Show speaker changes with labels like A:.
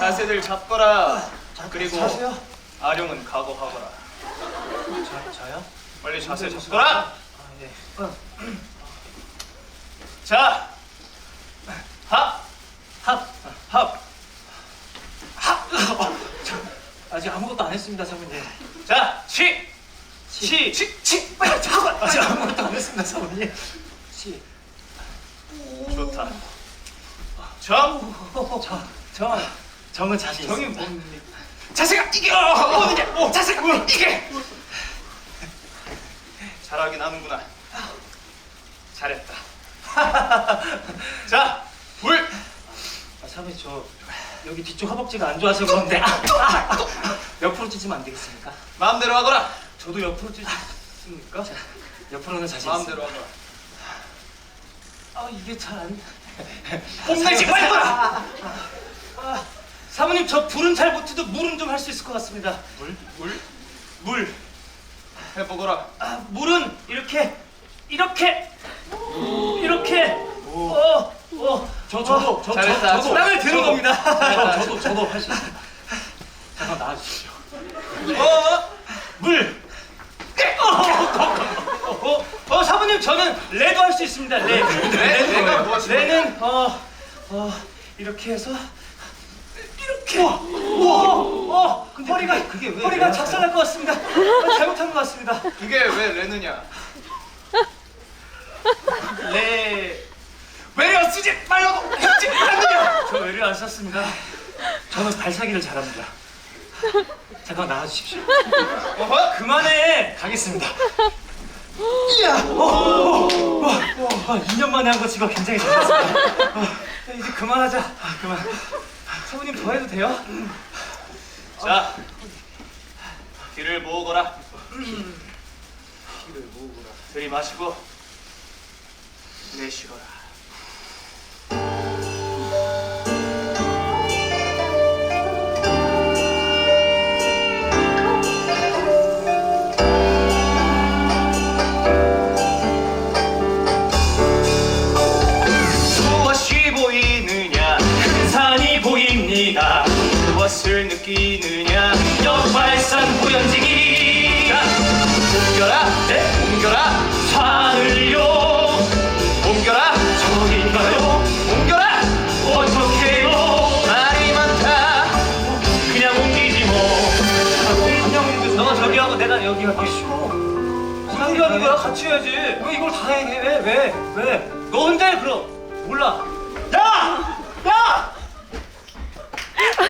A: 자세들 잡거라. 그리고
B: 자세요?
A: 아령은 각오하거라.
B: 저요?
A: 빨리 자세 잡거라.
B: 네.
A: 자, 합.
B: 아직 아무것도 안 했습니다, 사모님.
A: 자,
B: 빨리 잠깐. 아직 아무것도 안 했습니다, 사모님.
A: 좋다.
B: 정은 자신
A: 정이
B: 있습니다.
A: 뭡니까? 자세가 이게 뭐느냐? 자세가 이게. 잘하긴 하는구나. 잘했다. 자, 불.
B: 사모님 저 여기 뒤쪽 허벅지가 안 좋아서 그런데 옆으로 찢으면 안 되겠습니까?
A: 마음대로 하거라.
B: 저도 옆으로 찢습니까? 옆으로는 자신
A: 마음대로
B: 있습니다.
A: 하거라.
B: 이게 잘 안.
A: 뽐내지 말거라.
B: 사모님 저 불은 잘 못해도 물은 좀 할 수 있을 것 같습니다.
A: 물. 해보거라.
B: 물은 이렇게. 저도
A: 잘했다.
B: 땅을 드는 겁니다.
A: 잘했다.
B: 저도 할 수 있어요. 잠깐 나와주십시오. 물. 사모님 저는 레도 할 수 있습니다.
A: 레가 무엇입니까?
B: 레는 이렇게 해서 이렇게. 근데 허리가 작살날 것 같습니다. 잘못한 것 같습니다.
A: 그게 왜 레느냐? 외려 쓰지 말라고 했지 않느냐?
B: 저 외래 안 썼습니다. 저는 발사기를 잘합니다. 잠깐 나와주십시오. 그만해. 가겠습니다. 이야. 2년 만에 한 거 지금 굉장히 잘했습니다. 이제 그만하자. 그만. 사모님 더 해도 돼요?
A: 자, 귀를 모으거라. 들이마시고 내쉬거라. 무엇이 보이느냐? 큰 산이 보입니다. 무엇을 느끼느냐? 역발산 보연지기. 자, 옮겨라. 옮겨라. 산을요. 옮겨라. 저긴가요? 옮겨라. 어떡해요? 말이 많다. 그냥 옮기지 뭐.
B: 그냥 옮겨. 너가 저기 하고 내가 여기 할게. 상기 하는 거야? 같이 해야지. 왜 이걸 다 해? 왜? 너 혼자 해 그럼. 몰라. 야!